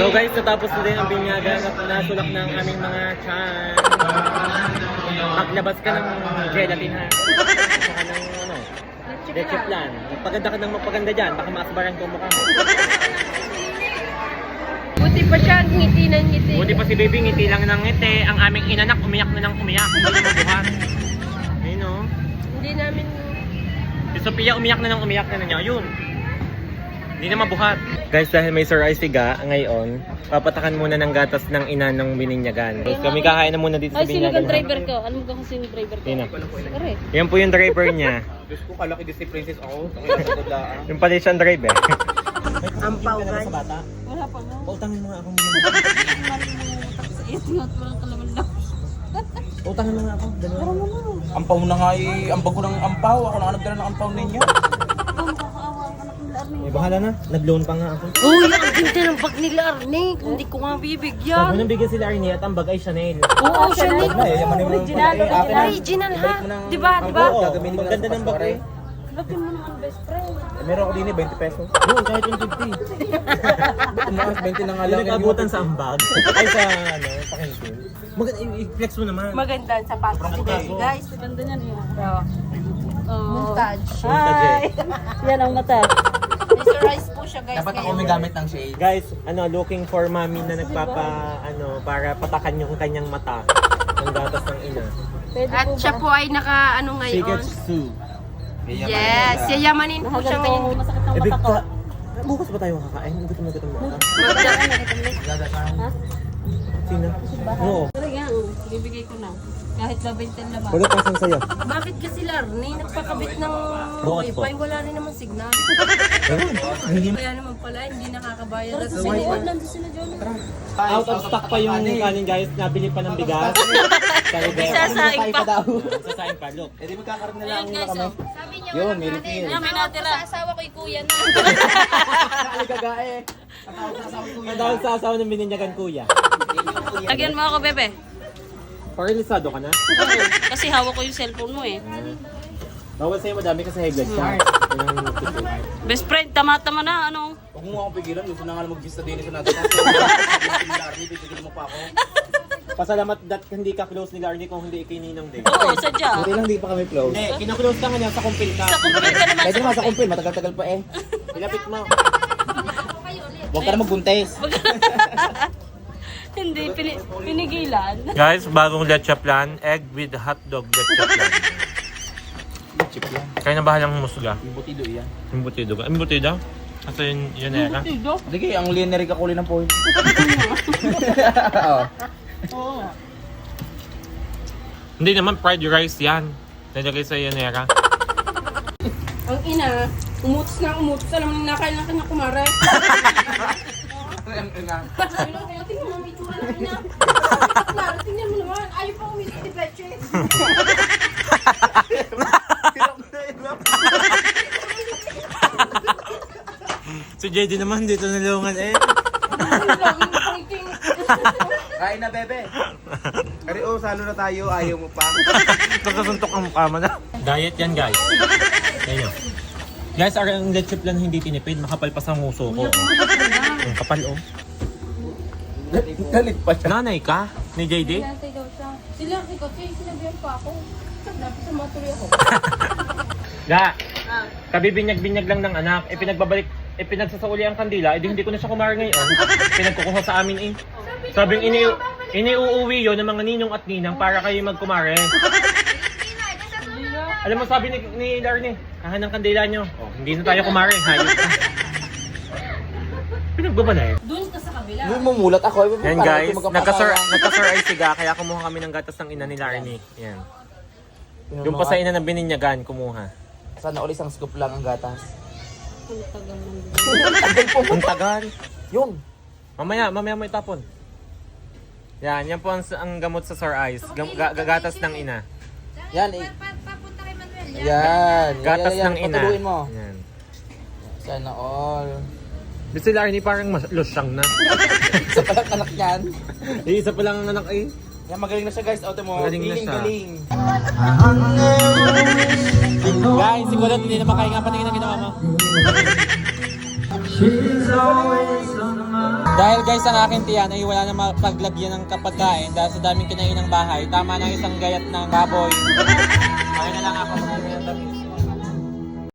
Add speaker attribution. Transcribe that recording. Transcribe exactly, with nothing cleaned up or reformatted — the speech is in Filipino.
Speaker 1: So guys, natapos na din ang binyagan at nasulak na ang aming mga chan. Maglabas ka ng gelatin ha. Saka ng ano, leche plan. Magpaganda ka ng magpaganda dyan, baka maasbaran ko mukha mo.
Speaker 2: Buti pa siya, ngiti ng ngiti.
Speaker 1: Buti pa si baby, ngiti lang ng ngiti. Ang aming inanak, umiyak na ng umiyak. Hindi na mabuhat. Ayun o.
Speaker 2: Hindi namin...
Speaker 1: Si Sophia umiyak na ng umiyak na niya. Ayun. Hindi na mabuhat. Guys, dahil may Sir Isiga ngayon, papatakan muna ng gatas ng ina ng bininyagan. Tapos kami kakain na muna dito sa
Speaker 2: Ay, sino
Speaker 1: binyagan.
Speaker 2: kang driver ko? Alam mo kung sino driver ko?
Speaker 1: Yun na.
Speaker 2: Correct.
Speaker 1: Yan po yung driver niya.
Speaker 3: Diyos ko, kalaki din si Princess ako. Ang
Speaker 1: Yung pala siyang driver.
Speaker 2: Ampaw, guys.
Speaker 1: Bata?
Speaker 2: Wala pa nga.
Speaker 1: Pautangin mo nga ako muna.
Speaker 2: Itingot mo lang kalaman lang.
Speaker 1: Pautangin mo nga ako. Dalawa.
Speaker 3: ampaw na nga eh. Ambag ko ng ampaw. Ako na nagdala ng ampaw ninyo.
Speaker 2: Ikaw makakaawa ang anak nila Arnie.
Speaker 1: Eh, bahala na. Nag-loan pa nga ako.
Speaker 2: Uy, ang ganda ng bag nila Arnie. Hindi ko nga
Speaker 1: Sabi
Speaker 2: bibigyan.
Speaker 1: nang bigyan sila Arnie at ang bag ay Chanel.
Speaker 2: Oo, Chanel.
Speaker 3: Na eh. Yaman mo
Speaker 2: Original, original. Original ha? Di ba, di ba?
Speaker 1: Oo,
Speaker 3: Gagamitin mo
Speaker 1: ang ganda
Speaker 3: lang
Speaker 1: ng
Speaker 3: sa
Speaker 1: bag eh.
Speaker 2: Lagyan mo naman best friend.
Speaker 3: Eh, meron ako din eh, twenty pesos.
Speaker 1: Oo, kahit yung fifty.
Speaker 3: Tumakas, twenty na nga
Speaker 1: Hindi
Speaker 3: lang.
Speaker 1: nag-abutan sa ambag. Ay sa ano, pakintin. Maganda, i-flex mo naman.
Speaker 2: Maganda ang sapatos
Speaker 1: Sobrang
Speaker 2: today,
Speaker 1: bago.
Speaker 2: guys. Maganda niyan eh. Oh.
Speaker 4: Montage.
Speaker 2: Hi! Yan ang mata.
Speaker 4: Mesterize po siya guys.
Speaker 3: Dapat ako
Speaker 4: ngayon.
Speaker 3: may gamit ng shade.
Speaker 1: Guys, ano, looking for mommy na nagpapa, ano, para patakan yung kanyang mata. Ang gatas ng ina.
Speaker 2: Pwede
Speaker 4: At
Speaker 2: po
Speaker 4: siya
Speaker 2: ba?
Speaker 4: po ay naka ano
Speaker 1: She
Speaker 4: ngayon.
Speaker 1: gets Sue.
Speaker 4: Yes, yayamanin po siya
Speaker 2: Nakaganto,
Speaker 4: ngayon.
Speaker 2: masakit ng
Speaker 1: Eh,
Speaker 2: mata
Speaker 1: big
Speaker 2: ko.
Speaker 1: ka. Bukas ba tayo kakain? Ang gutom na gutom na ako.
Speaker 2: Ha?
Speaker 1: Sino? Oo.
Speaker 2: Talaga, oh. Bibigay ko na. Kahit babintan naman.
Speaker 1: Wala pa siyang sayo.
Speaker 2: Bakit kasi Larnie, nagpakabit ng
Speaker 1: Bakit po?
Speaker 2: wifi, wala rin naman signal.
Speaker 1: Hindi
Speaker 2: Kaya naman pala, hindi nakakabayad. At siniwan nandun sila dyan.
Speaker 1: Out of stock pa yung kanin guys. Nabili pa ng bigas. Kaya
Speaker 2: Isasaing pa.
Speaker 1: sasayin pa. Look.
Speaker 3: Eh di magkakaroon na lang
Speaker 2: Ayun guys, oh.
Speaker 4: Sabi niya
Speaker 3: Yun,
Speaker 4: walang
Speaker 3: may
Speaker 4: kanin.
Speaker 3: refill.
Speaker 2: Yan, may natira.
Speaker 4: Sa asawa ko kuya na.
Speaker 3: Nakaligaga eh.
Speaker 1: Ang dahil sa asawa ng bininyagan kuya.
Speaker 2: Lagyan mo ako, bebe.
Speaker 1: Paralisado ka na?
Speaker 2: Kasi hawak ko yung cellphone mo eh.
Speaker 1: Bawal sa'yo madami kasi high blood siya. Yun ang nagtutulog.
Speaker 2: Best friend, tama-tama na, ano?
Speaker 3: Huwag mo akong pigilan. Gusto na nga mag-vista din sa natin. Kasi pigilan mo pa ako.
Speaker 1: Pasalamat that hindi ka close ni Larnie kung hindi ikininong din.
Speaker 2: Oo, sadya.
Speaker 3: Buti lang di pa kami close.
Speaker 1: Hindi, kinaklose ka nga niya sa kumpil ka.
Speaker 2: Sa kumpil ka naman.
Speaker 3: Pwede naman sa kumpil. Matagal-tagal pa eh.
Speaker 1: Ilapit mo.
Speaker 3: Huwag ka na magbuntes.
Speaker 2: Hindi, pini pinigilan.
Speaker 1: Guys, bagong leche plan. Egg with hotdog leche plan.
Speaker 3: Chip yan.
Speaker 1: Kaya na bahalang musga.
Speaker 3: Yung butido yan.
Speaker 1: Yung butido ka. Yung butido? Ito yun, yun eh ka.
Speaker 3: Sige, ang linear ka kulay ng point. Oo.
Speaker 2: Oo nga.
Speaker 1: Hindi naman fried rice yan. Nilagay sa yanera.
Speaker 2: Ang ina, umutos na umutos. Alam mo, nakain na kanya kumare. Sabi lang, kaya tingnan mo, may itsura ng ina. Klaro, tingnan mo naman. Ayaw pa umitin ni Peche.
Speaker 1: Si J D naman dito nalungan eh.
Speaker 2: Laging nakangking.
Speaker 3: Kain na, bebe. Kari, oh, salo na tayo. Ayaw mo pa.
Speaker 1: Nagkasuntok ang mukha mo na. Diet yan guys. Ayan. Guys, ang leche plan hindi tinipid. Makapal pa sa nguso ko. Ang kapal oh.
Speaker 3: Galit pa siya.
Speaker 1: Nanay ka ni J D?
Speaker 4: Nantay daw siya. Sila, si Kotse, sinabihan pa ako. Dapat sumatuloy ako.
Speaker 1: Ga, kabibinyag-binyag lang ng anak. E pinagbabalik, e pinagsasauli ang kandila. E di hindi ko na siya kumara ngayon. Pinagkukuha sa amin eh. Sabing ini iniuuwi yun ng mga ninong at ninang para kayo magkumare. Alam mo sabi ni, ni Larnie, kahan ng kandila nyo. Oh, hindi na tayo kumare. Hayop ka. Pinagbabalay.
Speaker 2: Doon ka sa kabila.
Speaker 3: Hindi mo mulat ako. Eh,
Speaker 1: Yan
Speaker 3: parang
Speaker 1: guys,
Speaker 3: ito magkapatawa.
Speaker 1: nagka-sur nagka-sur ay siga kaya kumuha kami ng gatas ng ina ni Larnie. Yan. Yung pa sa ina ng bininyagan kumuha.
Speaker 3: Sana ulit isang scoop lang ang gatas.
Speaker 2: Ang tagal ng
Speaker 1: Ang tagal.
Speaker 3: Yun.
Speaker 1: Mamaya, mamaya mo itapon. Yan, yan po ang, ang gamot sa sore eyes. Gam, ga, gatas ng ina.
Speaker 3: Yan eh.
Speaker 4: Papunta kay Manuel.
Speaker 3: Yan.
Speaker 1: Gatas
Speaker 3: yan, yan,
Speaker 1: ng ina.
Speaker 3: patuluin mo.
Speaker 1: Yan.
Speaker 3: Sana all.
Speaker 1: Di si Larnie parang mas- losyang na.
Speaker 3: Isa pa lang anak yan.
Speaker 1: Eh, isa pa lang ang anak eh.
Speaker 3: Yan, magaling na siya guys. Auto mo.
Speaker 1: Magaling na
Speaker 3: Galing,
Speaker 1: siya.
Speaker 3: galing.
Speaker 1: Guys, si Kulot hindi na makahinga. Patingin ang ginawa mo. Dahil guys, ang akin tiyan ay wala na mapaglagyan ng kapagkain dahil sa daming kinain ng bahay. Tama ng isang gayat ng baboy.